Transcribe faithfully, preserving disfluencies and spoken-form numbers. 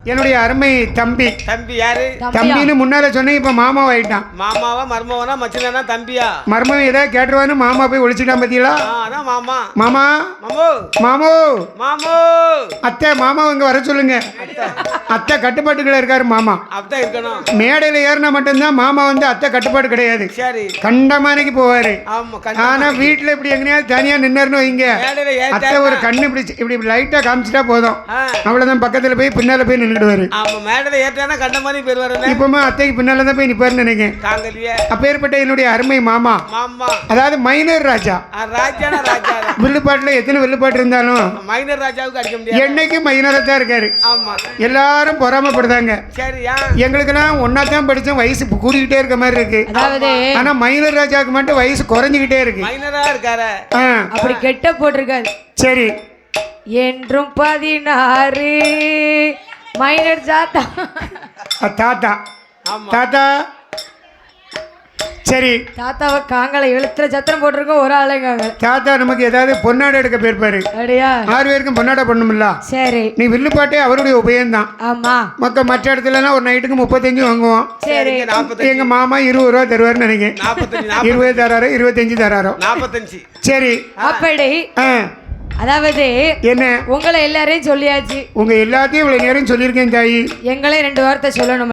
என்னுடைய அருமை தம்பி. தம்பி யாரு? தம்பின்னு முன்னால சொன்னேன், இப்ப மாமாவா ஆயிட்டான். மாமாவா மர்மவனா மச்சினா தம்பியா? மர்மம் ஏதாவது கேட்டுருவான்னு மாமா போய் ஒழிச்சிட்டான் பத்தியா? அதான் மாமா. மாமா மாமோ மாமோ மாமோ அத்தை மாமா இங்க வர சொல்லுங்க. அத்தை கட்டுப்பாட்டுக்குள்ள இருக்காரு மாமா. அப்படிதான் இருக்கணும். மேடையில ஏறினா மட்டும்தான் மாமா வந்து அத்தை கட்டுப்பாடு கிடையாது. சரி. கண்டமானைக்கு போவாரு. ஆமா. ஆனா வீட்டுல இப்படி எங்கேயாவது தனியா நின்னுன்னு வைங்க, அத்தை ஒரு கண்ணு இப்படி இப்படி லைட்டா காமிச்சிட்டா போதும், அவ்வளவுதான் பக்கத்துல போய் பின்னால போய் நின்றுடுவாரு. ஆமா, மேடையில ஏற்றானா கண்ட மாதிரி பேர் வரல. இப்பமா அத்தைக்கு பின்னால தான் போய் நிப்பாருன்னு நினைக்கிறேன். காங்கலியே அப்பேற்பட்ட என்னுடைய அருமை மாமா. மாமா அதாவது மைனர் ராஜா. ராஜானா ராஜா. வில்லுப்பாட்டுல எத்தனை வில்லுப்பாட்டு இருந்தாலும் மைனர் ராஜாவுக்கு அடிக்க முடியாது. என்னைக்கு மைனரா தான் இருக்காரு. ஆமா. எல்லாரும் பொறாமப்படுதாங்க. சரியா? எங்களுக்கெல்லாம் ஒன்னா தான் படிச்சோம், வயசு கூடிக்கிட்டே இருக்க மாதிரி இருக்கு. அதாவது ஆனா மைனர் ராஜாவுக்கு மட்டும் வயசு குறைஞ்சுக்கிட்டே இருக்கு. மைனரா இருக்காரு. அப்படி கெட்ட போட்டிருக்காரு. சரி. என்றும் பதினாறு மைனர் ஜாத்தா தாத்தா. தாத்தா சரி. தாத்தாவை காங்கல எழுத்துல சத்திரம் போட்டிருக்கோம், ஒரு ஆளுங்க. தாத்தா நமக்கு ஏதாவது பொன்னாடை எடுக்க போயிருப்பாரு. அப்படியா? ஆறு பேருக்கும் பொன்னாடை பண்ணுமில்ல. சரி. நீ வில்லுப்பாட்டே அவருடைய உபயம்தான். ஆமா. மக்க மற்ற இடத்துல ஒரு நைட்டுக்கு முப்பத்தஞ்சு வாங்குவோம். சரி. எங்க மாமா இருபது ரூபா தருவாருன்னு நினைக்கிறேன். இருபது தராரோ இருபத்தஞ்சு தராரோ நாற்பத்தஞ்சு. சரி. அப்படி அதாவது என்ன உங்களை எல்லாரையும் சொல்லியாச்சு. உங்க எல்லாத்தையும் இவ்வளவு நேரம் சொல்லியிருக்கேன் தாயி. எங்களே ரெண்டு வார்த்தை சொல்லணும்.